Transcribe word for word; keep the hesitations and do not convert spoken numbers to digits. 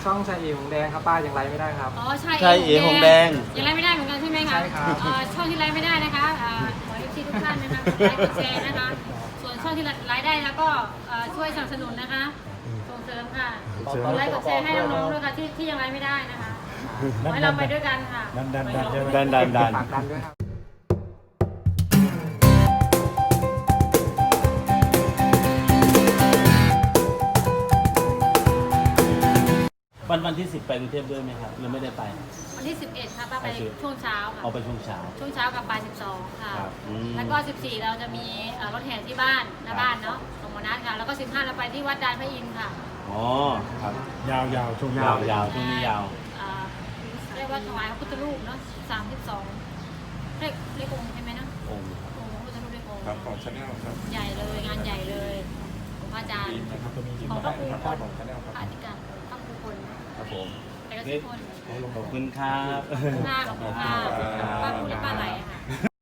ช่องชายเอหงแดงครับป้ายังไลฟ์ไม่ได้ครับอ๋อใช่ใช่เอหงแดงยังไลฟ์ไม่ได้เหมือนกันใช่ไหมคะใช่ครับเอ่อช่องที่ไลฟ์ไม่ได้นะคะอ่าขอเอฟซีทุกท่านนะคะกดไลค์กดแชร์นะคะ ส่วนช่องที่ไลฟ์ได้แล้วก็เอ่อช่วยสนับสนุนนะคะส่งเสริมค่ะกดไลค์กดแชร์ให้น้องๆด้วยค่ะที่ที่ยังไลฟ์ไม่ได้นะคะขอให้เราไปด้วยกันค่ะดันดันดันใช่ไหมดันดันดันฝากดันด้วยครับวันวันที่สิบไปกรุงเทพด้วยไหมครับหรือไม่ได้ไปวันที่สิบเอ็ดค่ะป้าไปไปสิบช่วงเช้าค่ะเอาไปช่วงเช้าช่วงเช้ากับบ่ายสิบสองค่ะครับอืมแล้วก็สิบสี่เราจะมีเอ่อรถแห่ที่บ้านหน้าบ้านเนาะของหมอนัทค่ะ แล้วก็สิบห้าเราไปที่วัดดานพระอินทร์ค่ะอ๋อครับยาวยาวช่วงยาวยาวช่วงนี้ยาวเอ่อเรียกว่าถวายพระพุทธรูปเนาะสามสิบสองเรียกเรียกองค์ใช่ไหมนะองค์องค์พระพุทธรูปเรียกองค์ครับของชาแนลครับใหญ่เลยงานใหญ่เลยของพระอาจารย์นะครับตัวนี้ที่ของพระครูครับคนของชาแนลครับพระอธิการพระครูคนครับผมแต่ก็ทุกคนขอบคุณครับหน้าของคุณป้าป้าพูดแล้วป้าไหลอะค่ะ